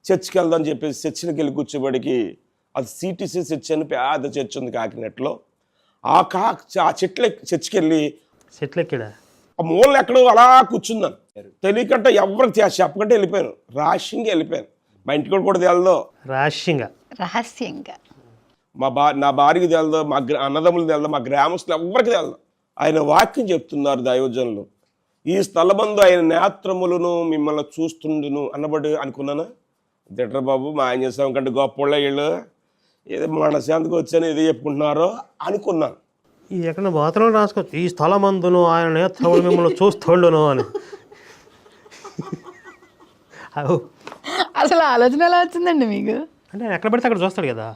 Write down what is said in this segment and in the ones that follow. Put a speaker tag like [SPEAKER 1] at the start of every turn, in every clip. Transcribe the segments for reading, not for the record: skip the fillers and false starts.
[SPEAKER 1] చర్చికి వెళ్దాం అని చెప్పేసి చర్చికి వెళ్ళి కూర్చోబడికి అది సిటీసీ చర్చ్ అని పెద్ద చర్చ్ ఉంది కాకినాడలో. ఆ చర్చికి వెళ్ళి ఆ మూలను ఎక్కడో అలా కూర్చున్నాను. తెలియకంటే ఎవరికి చెప్పకంటే వెళ్ళిపోయాను, రహస్యంగా వెళ్ళిపోయాను. మా ఇంటికి కూడా తెలదు,
[SPEAKER 2] రహస్యంగా
[SPEAKER 1] నా భార్యకి తెలదు, మా అన్నదమ్ములు తెలదు, మా గ్రామస్తులు ఎవరికి తెలదు. ఆయన వాక్యం చెప్తున్నారు దైవజనులు, ఈ స్థలమందు ఆయన నేత్రములను మిమ్మల్ని చూస్తుండును అన్నబడి అనుకున్నాను. దిట్ర బాబు మా ఆయన చేసాం కంటే గొప్ప వీళ్ళు ఏదో మనశాంతికి వచ్చాను ఏదో చెప్పుకుంటున్నారో అనుకున్నాను.
[SPEAKER 3] ఎక్కడ బాత్రూంలో రాసుకోవచ్చు, ఈ స్థలమందును ఆయన నేత్రములు మిమ్మల్ని చూస్తుండును అని.
[SPEAKER 2] అసలు ఆలోచన ఎలా వచ్చిందండి మీకు?
[SPEAKER 3] అంటే ఎక్కడ పడితే అక్కడ చూస్తాడు కదా,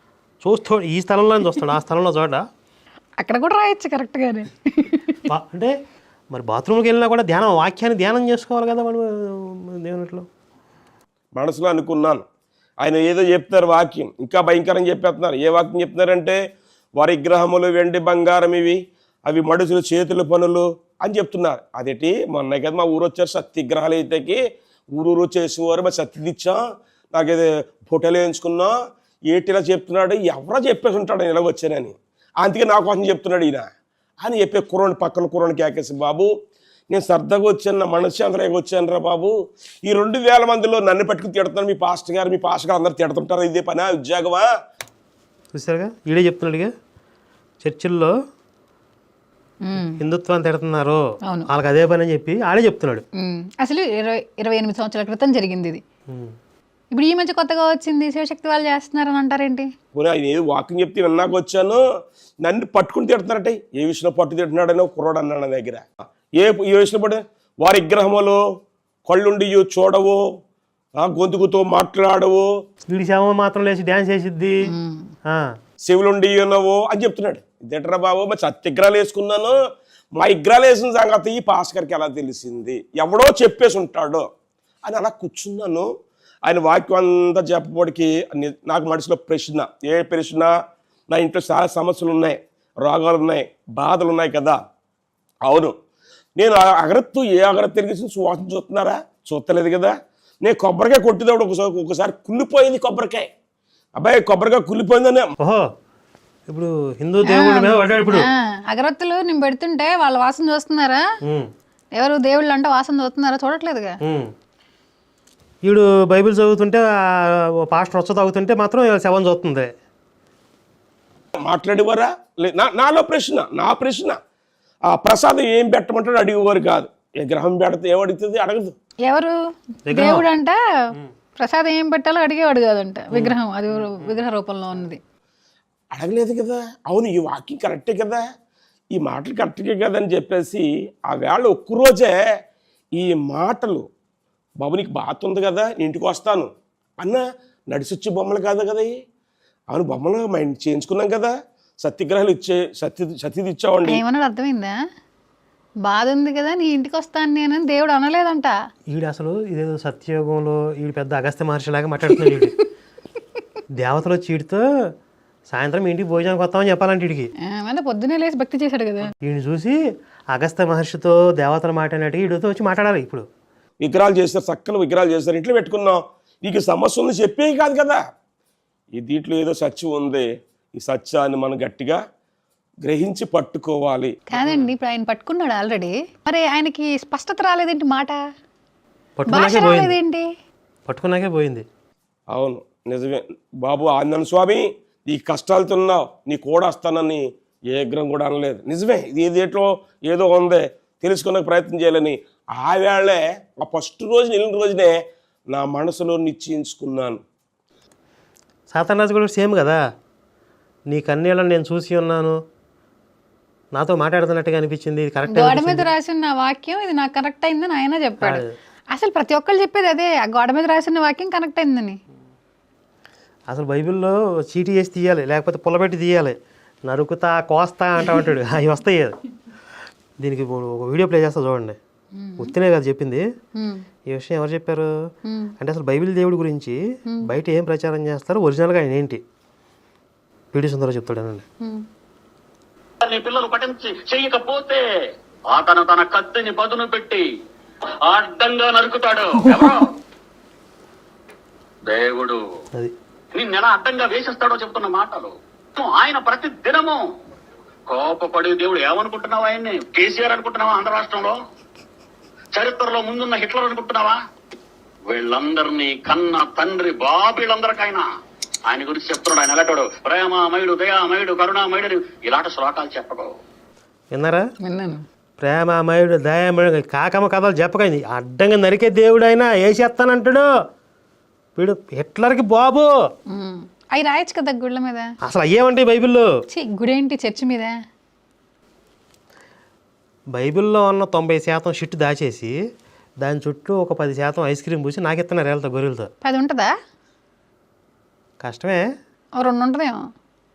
[SPEAKER 3] ఈ స్థలంలో చూస్తాడు, ఆ స్థలంలో చూడ
[SPEAKER 2] అక్కడ కూడా రాయొచ్చు కరెక్ట్గానే.
[SPEAKER 3] అంటే మరి బాత్రూమ్కి వెళ్ళినా కూడా వాక్యాన్ని ధ్యానం చేసుకోవాలి కదా మనం దేవునిలో.
[SPEAKER 1] మనసులో అనుకున్నాను, ఆయన ఏదో చెప్తారు వాక్యం, ఇంకా భయంకరంగా చెప్పేస్తున్నారు. ఏ వాక్యం చెప్తున్నారంటే వారి విగ్రహములు వెండి బంగారం ఇవి, అవి మడుసులు చేతుల పనులు అని చెప్తున్నారు. అదేంటి మొన్న కదా మా ఊరు వచ్చారు సత్యగ్రహాలు అయితేకి, ఊరూరు చేసేవారు, మరి సత్యదిచ్చాం, నాకేదో ఫోటోలు వేయించుకున్నా, ఏటిలా చెప్తున్నాడు, ఎవరో చెప్పేసి ఉంటాడు ఇలా వచ్చానని, అందుకే నా కోసం చెప్తున్నాడు ఈయన అని చెప్పే కుర్రోని పక్కన కుర్రోని కేకేసి, బాబు నేను సరదాగా వచ్చాను, నా మనశ్శాంతిగా వచ్చాను రా బాబు, ఈ 2000 మందిలో నన్ను పట్టుకుని తిడుతున్నాను, మీ పాస్టర్ గారు అందరు తిడుతుంటారు, ఇదే పనా ఉద్యోగమా?
[SPEAKER 3] చూసారుగా ఈడే చెప్తున్నాడుగా, చర్చిల్లో హిందుత్వాన్ని తిడుతున్నారు వాళ్ళకి అదే పని అని చెప్పి ఆడే చెప్తున్నాడు.
[SPEAKER 2] అసలు 28 సంవత్సరాల క్రితం జరిగింది ఇది. ఇప్పుడు ఈ మధ్య కొత్తగా వచ్చింది శివశక్తి వాళ్ళు చేస్తున్నారని అంటారేంటి?
[SPEAKER 1] ఆయన ఏదో వాకింగ్ చెప్తే విన్నాక వచ్చాను, నన్ను పట్టుకుని తిడుతున్నారట. ఏ విషయంలో పట్టు తిడుతున్నాడని కుర్రోడు అన్నాడు నా దగ్గర. ఏ విషయంలో పట్టు? వారి విగ్రహములు కళ్ళుండి చూడవు, గొంతుకుతో మాట్లాడవు,
[SPEAKER 3] వీడి శవం మాత్రం లేచి డ్యాన్స్ చేసిద్ది,
[SPEAKER 1] శివులుండి ఉన్నవు అని చెప్తున్నాడు. ఇదేంటరా బాబు, మరి సత్యగ్రహాలు వేసుకున్నాను, మా విగ్రహాలు వేసిన సంగతి ఈ పాస్కర్కి ఎలా తెలిసింది, ఎవడో చెప్పేసి ఉంటాడు అని అలా కూర్చున్నాను. ఆయన వాక్యం అంతా చెప్పబడికి నాకు మనసులో ప్రశ్న, ఏ ప్రశ్న, నా ఇంట్లో చాలా సమస్యలు ఉన్నాయి, రోగాలు ఉన్నాయి, బాధలు ఉన్నాయి కదా. అవును, నేను ఏ అగరత్తు తిరిగి సువాసన చూస్తున్నారా? చూస్తలేదు కదా. నేను కొబ్బరికాయ కొట్టినప్పుడు ఒకసారి కుళ్ళిపోయింది కొబ్బరికాయ. అబ్బాయి కొబ్బరికాయ కుళ్ళిపోయిందని.
[SPEAKER 3] ఓహో, ఇప్పుడు హిందూ దేవుడు ఇప్పుడు
[SPEAKER 2] అగరత్తులు నేను పెడుతుంటే వాళ్ళ వాసన చూస్తున్నారా? ఎవరు దేవుళ్ళు అంటే వాసన చూస్తున్నారా? చూడట్లేదుగా.
[SPEAKER 3] వీడు బైబిల్ చదువుతుంటే పాస్టర్ వచ్చ తాగుతుంటే మాత్రం శవం చూస్తుంది.
[SPEAKER 1] మాట్లాడేవారా? నాలో నా ప్రశ్న ఆ ప్రసాదం ఏం పెట్టమంటాడు అడిగేవారు కాదు. ఏ గ్రహం పెడితే ఏమడుగుతుంది? అడగదు.
[SPEAKER 2] ఎవరు దేవుడు అంట ప్రసాదం ఏం పెట్టాలో అడిగేవాడు కాదంట, విగ్రహం, అది విగ్రహ రూపంలో ఉన్నది.
[SPEAKER 1] అడగలేదు కదా. అవును, ఈ వాక్యం కరెక్టే కదా, ఈ మాటలు కరెక్టే కదా అని చెప్పేసి ఆ వేళ ఒక్కరోజే ఈ మాటలు, బాబు నీకు బాధ ఉంది కదా, ఇంటికి వస్తాను అన్న నడిచొచ్చే బొమ్మలు కాదు కదా. అవును, బొమ్మలు మా ఇంటి చేయించుకున్నాం కదా, సత్యగ్రహాలు సత్యది ఇచ్చావండి.
[SPEAKER 2] ఏమన్నాడు అర్థమైందా? బాధ ఉంది కదా నీ ఇంటికి వస్తాను నేను, దేవుడు అనలేదంట.
[SPEAKER 3] ఈడు అసలు ఇదేదో సత్యయుగంలో ఈడు పెద్ద అగస్త్య మహర్షిలాగా మాట్లాడుతున్నాడు. ఈడు దేవతలు వచ్చి ఈడితో సాయంత్రం ఇంటికి భోజనానికి వస్తామని చెప్పాలంటే వీడికి
[SPEAKER 2] పొద్దునే లేసి భక్తి చేశాడు కదా.
[SPEAKER 3] వీడిని చూసి అగస్త్య మహర్షితో దేవతలు మాట్లాడినట్టు వీడితో వచ్చి మాట్లాడాలి. ఇప్పుడు
[SPEAKER 1] విగ్రహాలు చేస్తారు, చక్కని విగ్రహాలు చేస్తారు, ఇంట్లో పెట్టుకున్నాం, నీకు సమస్య ఉంది చెప్పేవి కాదు కదా. ఈ దీంట్లో ఏదో సత్యం ఉంది, ఈ సత్యాన్ని మనం గట్టిగా గ్రహించి పట్టుకోవాలి.
[SPEAKER 2] కాదండి, ఇప్పుడు ఆయన పట్టుకున్నాడు ఆల్రెడీ, మరి ఆయనకి స్పష్టత రాలేదేంటి? మాట
[SPEAKER 3] పట్టుకున్నాకే పోయింది.
[SPEAKER 1] అవును, నిజమే బాబు. ఆంజనేయ స్వామి నీ కష్టాలతో ఉన్నావు, నీ కూడా వస్తానని ఏ విగ్రహం కూడా అనలేదు. నిజమే, ఇది దేంట్లో ఏదో ఉంది, తెలుసుకునే ప్రయత్నం చేయాలని ఆ వేళే, ఆ ఫస్ట్ రోజు వెళ్ళిన రోజునే నా మనసులో నిశ్చయించుకున్నాను.
[SPEAKER 3] సాతానాజు కూడా సేమ్ కదా, నీ కన్నీళ్ళని నేను చూసి ఉన్నాను, నాతో మాట్లాడుతున్నట్టుగా అనిపించింది, ఇది కరెక్ట్.
[SPEAKER 2] గోడ మీద రాసిన వాక్యం ఇది నాకు కరెక్ట్ అయిందని ఆయన చెప్పాడు. అసలు ప్రతి ఒక్కళ్ళు చెప్పేది అదే, ఆ గోడ మీద రాసిన వాక్యం కరెక్ట్ అయిందని.
[SPEAKER 3] అసలు బైబిల్లో చీటీ వేసి తీయాలి, లేకపోతే పుల్లబెట్టి తీయాలి, నరుకుతా కోస్తా అంటాడు, అవి వస్తాయి. దీనికి ఒక వీడియో ప్లే చేస్తా చూడండి. ఉత్తినే కదా చెప్పింది, ఈ విషయం ఎవరు చెప్పారు అంటే అసలు బైబిల్ దేవుడి గురించి బయట ఏం ప్రచారం చేస్తారు, ఒరిజినల్గా ఆయన ఏంటి పీడి సుందరరావు చెప్తాడనండి.
[SPEAKER 4] నీ పిల్లలు పఠించి చెయ్యకపోతే అతను తన కత్తిని పదును పెట్టి అడ్డంగా నరుకుతాడు. దేవుడు
[SPEAKER 3] అది
[SPEAKER 4] నిన్నెలా అడ్డంగా వేసేస్తాడో చెప్తున్న మాటలు. ఆయన ప్రతి దినము కోపపడి దేవుడు ఏమనుకుంటున్నావా? ఆయన్ని కేసీఆర్ అనుకుంటున్నావా? ఆంధ్ర రాష్ట్రంలో చరిత్రలో ముందున్న హిట్లర్ అనుకుంటున్నావా? వీళ్ళందరినీ కన్న తండ్రి బాబీళ్ళందరికైనా ఆయన గురించి చెప్తున్నాడు. ఆయన ఎలాంటాడు? ప్రేమామయుడు, దయామయుడు, కరుణామయుడు, ఇలాంటి శ్లోకాలు చెప్పడు.
[SPEAKER 3] విన్నారా?
[SPEAKER 2] విన్నాను.
[SPEAKER 3] ప్రేమమయుడు దయామయుడు కాకమ్మ కథలు చెప్పకండి. అడ్డంగా నరికే దేవుడు అయినా వేసేస్తానంటాడు. వీడు హిట్లర్కి బాబు.
[SPEAKER 2] అవి రాయొచ్చు కదా గుళ్ళ మీద.
[SPEAKER 3] అసలు అయ్యేమంటాయి బైబిల్లో?
[SPEAKER 2] గుడేంటి చర్చి మీద?
[SPEAKER 3] బైబిల్లో ఉన్న 90% షిట్ దాచేసి దాని చుట్టూ ఒక 10% ఐస్ క్రీమ్ పూసి నాకు ఇస్తున్నారు వేళ్ళతో గొర్రెలతో.
[SPEAKER 2] 10 ఉంటుందా?
[SPEAKER 3] కష్టమే.
[SPEAKER 2] 2 ఉంటుందేమో.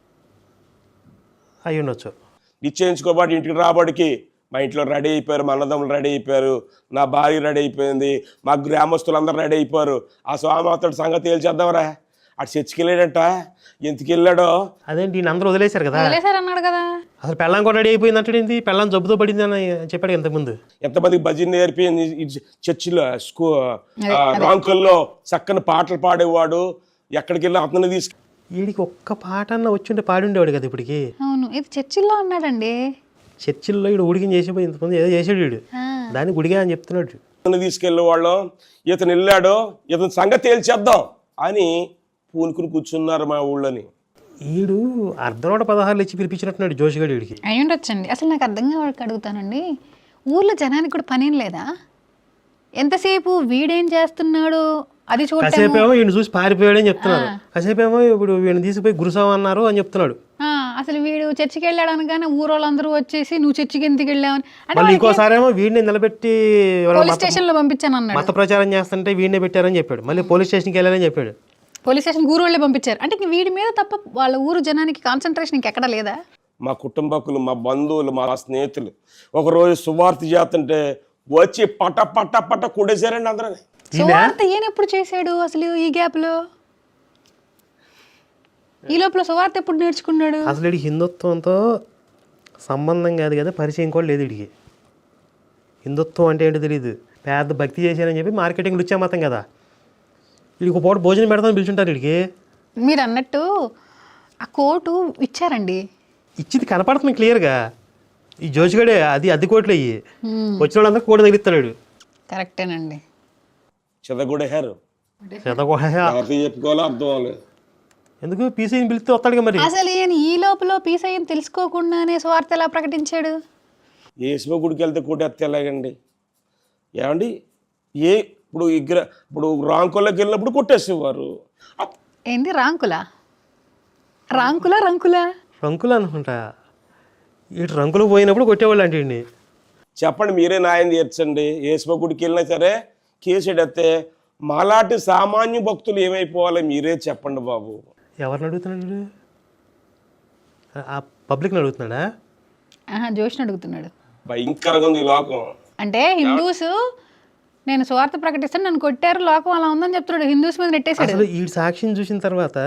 [SPEAKER 3] అయి ఉండొచ్చు.
[SPEAKER 1] నిశ్చయించుకోబట్టి ఇంటికి రాబడికి మా ఇంట్లో రెడీ అయిపోయారు, మా అన్నదమ్ములు రెడీ అయిపోయారు, నా భార్య రెడీ అయిపోయింది, మా గ్రామస్తులందరూ రెడీ అయిపోయారు. ఆ స్వామి అతడు సంగతి తేల్చేద్దామరా. అటు చర్చికి వెళ్ళాడంట. ఎందుకు వెళ్ళాడో
[SPEAKER 3] అదేంటి ఈయన అందరూ వదిలేశారు కదా.
[SPEAKER 2] వదిలేశారు అన్నాడు కదా.
[SPEAKER 3] అసలు పెళ్ళం కూడా రెడీ అయిపోయింది అంటాడు. ఏంటి పెళ్ళం జబ్బుతో పడింది అని చెప్పాడు ఇంతకుముందు.
[SPEAKER 1] ఎంతమందికి భజన నేర్పింది చర్చిలో రాంకుల్లో చక్కని పాటలు పాడేవాడు. ఎక్కడికి వెళ్ళి అతను
[SPEAKER 3] వీడికి ఒక్క పాట అన్న వచ్చి పాడి ఉండేవాడు కదా ఇప్పటికి.
[SPEAKER 2] అవును, ఇది చర్చిల్లో అన్నాడండి.
[SPEAKER 3] చర్చిల్లో వీడు ఉడికిని చేసిపోయి ఇంతమంది ఏదో చేసాడు వీడు. దాన్ని గుడిగా అని చెప్తున్నాడు.
[SPEAKER 1] తీసుకెళ్ళే వాళ్ళం. ఇతను వెళ్ళాడు, ఇతను సంగతి తేల్చేద్దాం అని పూనుకుని కూర్చున్నారు మా ఊళ్ళోని.
[SPEAKER 3] వీడు అర్ధనోట 16 ఇచ్చి పిలిపించినట్టున్నాడు జోషిగాడు వీడికి.
[SPEAKER 2] అయి ఉండొచ్చండి. అసలు నాకు అర్థం కావడానికి అడుగుతానండి, ఊర్లో జనానికి కూడా పనేం లేదా? ఎంతసేపు వీడేం చేస్తున్నాడు అది చూడటం.
[SPEAKER 3] కాసేపేమో వీడిని చూసి పారిపోయాడు అని చెప్తున్నారు. కాసేపేమో ఇప్పుడు వీడిని తీసుకుపోయి గురుసాం అన్నారు అని చెప్తున్నాడు.
[SPEAKER 2] అసలు వీడు చర్చికి వెళ్ళాడు అనగానే ఊరోళ్ళందరూ వచ్చేసి నువ్వు చర్చికి ఎందుకు వెళ్ళావని
[SPEAKER 3] మళ్ళీ ఇంకోసారి ఏమో వీడిని నిలబెట్టి
[SPEAKER 2] పోలీస్ స్టేషన్ లో పంపించాను అన్నాడు.
[SPEAKER 3] మత ప్రచారం చేస్తుంటే వీడినే పెట్టారని చెప్పాడు. మళ్ళీ పోలీస్ స్టేషన్కి వెళ్ళాలని చెప్పాడు.
[SPEAKER 2] పోలీస్ స్టేషన్ ఊరోళ్ళే పంపించారు. అంటే వీడి మీద తప్ప వాళ్ళ ఊరు జనానికి కాన్సన్ట్రేషన్ ఇంకెక్కడా లేదా?
[SPEAKER 1] మా కుటుంబకులు, మా బంధువులు, మా స్నేహితులు ఒకరోజు సువార్త చేస్తుంటే వచ్చి పట పట పట కొడేశారండి అందరూ.
[SPEAKER 2] సువార్త ఈయన ఎప్పుడు చేశాడు అసలు? ఈ గ్యాప్ లో, ఈ లోపల సువార్త ఎప్పుడు నేర్చుకున్నాడు?
[SPEAKER 3] అసలు వీడికి హిందుత్వంతో సంబంధం కాదు కదా, పరిచయం కూడా లేదు వీడికి. హిందుత్వం అంటే ఏంటో తెలియదు. పెద్ద భక్తి చేశారని చెప్పి మార్కెటింగ్ రుచి మతం కదా. వీడికి పూట భోజనం పెడతామని పిలుచుంటారు వీడికి.
[SPEAKER 2] మీరు అన్నట్టు ఆ కోటు ఇచ్చారండి.
[SPEAKER 3] ఇచ్చింది కనపడుతుంది క్లియర్గా. ఈ జోషిగడే అది కోట్లు అయ్యి వచ్చిన వాళ్ళందరూ కోట తగిలిస్తాడు.
[SPEAKER 2] కరెక్టేనండి.
[SPEAKER 1] చెదగొడేశారు. చెప్పుకోవాలో అర్థం అవ్వలేదు.
[SPEAKER 3] ఎందుకు పీసీని పిలిస్తే వస్తాడుగా మరి.
[SPEAKER 2] అసలు ఈయన ఈ లోపల పీసీని తెలుసుకోకుండానే స్వార్థ ఎలా ప్రకటించాడు?
[SPEAKER 1] ఏసుమ గుడికి వెళ్తే కొట్టేస్తే ఎలాగండి? ఏమండి ఇప్పుడు రాంకుల్లోకి వెళ్ళినప్పుడు కొట్టేసేవారు.
[SPEAKER 2] ఏంది రంకులా
[SPEAKER 3] రంకులు అనుకుంటా. ఇటు రంకులు పోయినప్పుడు కొట్టేవాళ్ళు అంటే అండి.
[SPEAKER 1] చెప్పండి, మీరే న్యాయం తీర్చండి. ఏసుమ గుడికి వెళ్ళినా సరే కేసు ఎడితే మాలాంటి సామాన్య భక్తులు ఏమైపోవాలి మీరే చెప్పండి బాబు.
[SPEAKER 3] ఎవరిని అడుగుతున్నాడు? ఆ పబ్లిక్ని అడుగుతున్నాడా?
[SPEAKER 2] జోష్ని అడుగుతున్నాడు.
[SPEAKER 1] భయంకరంగా ఉంది ఈ లోకం.
[SPEAKER 2] అంటే హిందూస్ నేను స్వార్థ ప్రకటిస్తాను, నన్ను కొట్టారు, లోకం అలా ఉందని చెప్తున్నాడు. హిందూస్ మీద నెట్టేశాడు.
[SPEAKER 3] అసలు ఈ సాక్ష్యం చూసిన తర్వాత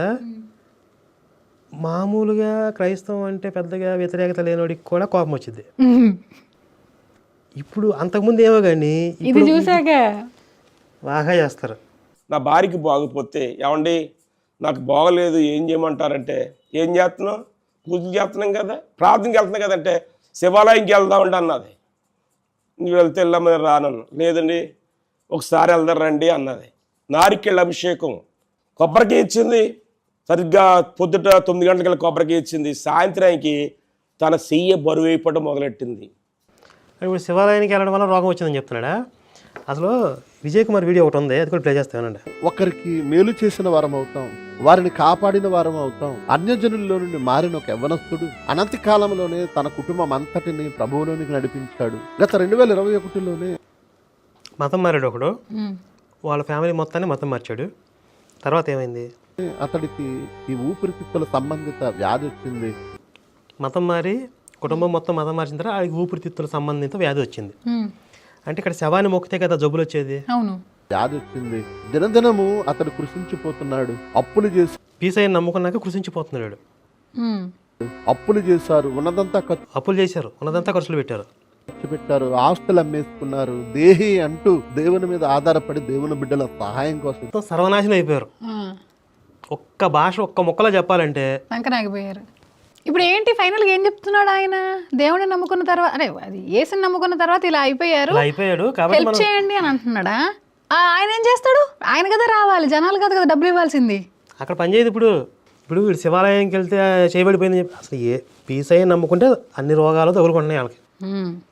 [SPEAKER 3] మామూలుగా క్రైస్తవం అంటే పెద్దగా వ్యతిరేకత లేనివాడికి కూడా కోపం వచ్చింది. ఇప్పుడు అంతకుముందు ఏమో కానీ
[SPEAKER 2] ఇది చూసాక
[SPEAKER 3] బాగా చేస్తారు.
[SPEAKER 1] నా భార్యకి బాగపోతే ఏమండి నాకు బాగలేదు ఏం చేయమంటారంటే, ఏం చేస్తున్నావు? పూజలు చేస్తున్నాం కదా, ప్రార్థనకి వెళ్తున్నాం కదంటే శివాలయంకి వెళ్దామండి అన్నది. నువ్వు వెళ్తే వెళ్ళమని రానన్ను. లేదండి ఒకసారి వెళ్దాం రండి అన్నది. నారికేళ్ళ అభిషేకం కొబ్బరికాయ ఇచ్చింది. సరిగ్గా పొద్దుట 9 గంటలకి కొబ్బరికాయ ఇచ్చింది. సాయంత్రానికి తన చెయ్యి బరువు అయిపోవడం మొదలెట్టింది.
[SPEAKER 3] ఇప్పుడు శివాలయానికి వెళ్ళడం వల్ల రోగం వచ్చిందని చెప్తున్నాడా? అసలు విజయ్ కుమార్ వీడియో ఒకటి ఉంది, అది కూడా ప్లే చేస్తానండి.
[SPEAKER 5] ఒకరికి మేలు చేసిన వారం అవుతాం, వారిని కాపాడిన వారం అవుతాం. అన్యజనుల్లో నుండి మారిన ఒక యవ్వనస్తుడు అనంత కాలంలోనే తన కుటుంబం అంతటిని ప్రభువులోనికి నడిపించాడు. గత 2021లోనే
[SPEAKER 3] మతం మారాడు ఒకడు. వాళ్ళ ఫ్యామిలీ మొత్తాన్ని మతం మార్చాడు. తర్వాత ఏమైంది?
[SPEAKER 5] అతడికి ఈ ఊపిరితిత్తుల సంబంధిత వ్యాధి వచ్చింది.
[SPEAKER 3] మతం మారి కుటుంబం మొత్తం మతం మార్చిన తర్వాత ఆడికి ఊపిరితిత్తుల సంబంధిత వ్యాధి వచ్చింది. అంటే ఇక్కడ శవాన్ని మొక్కితే కదా జబ్బులు వచ్చేది.
[SPEAKER 2] అవును,
[SPEAKER 5] వ్యాధి వచ్చింది. దినదినము అతడు కృషించిపోతున్నాడు. అప్పులు చేసి
[SPEAKER 3] పీసైని నమ్ముకున్నాక కృషించిపోతున్నాడు.
[SPEAKER 5] అప్పులు చేశారు, ఉన్నదంతా
[SPEAKER 3] అప్పులు చేశారు, ఉన్నదంతా ఖర్చులు పెట్టారు.
[SPEAKER 5] పెట్టారు, ఆస్తులు అమ్మేసుకున్నారు, దేహి అంటూ దేవుని మీద ఆధారపడి దేవుని బిడ్డల సహాయం కోసం
[SPEAKER 3] మొత్తం సర్వనాశనం అయిపోయారు. ఒక్క భాష ఒక్క ముక్కలో చెప్పాలంటే
[SPEAKER 2] సంకనాగిపోయారు. ఇప్పుడు ఏంటి ఫైనల్గా ఏం చెప్తున్నాడు ఆయన? దేవుడిని నమ్ముకున్న తర్వాత, అరే అది యేసుని నమ్ముకున్న తర్వాత ఇలా అయిపోయారు,
[SPEAKER 3] ఇలా అయిపోయాడు కాబట్టి
[SPEAKER 2] హెల్ప్ చేయండి అని అంటున్నాడా? ఆయన ఏం చేస్తాడు? ఆయన కదా రావాలి, జనాలు కదా డబ్బులు ఇవ్వాల్సింది.
[SPEAKER 3] అక్కడ పని చేయదు. ఇప్పుడు వీడు శివాలయంకి వెళ్తే చేయబడిపోయింది చెప్పి అసలు ఏ పీస్ అయ్యి నమ్ముకుంటే అన్ని రోగాలు తగులుకుంటున్నాయి వాళ్ళకి.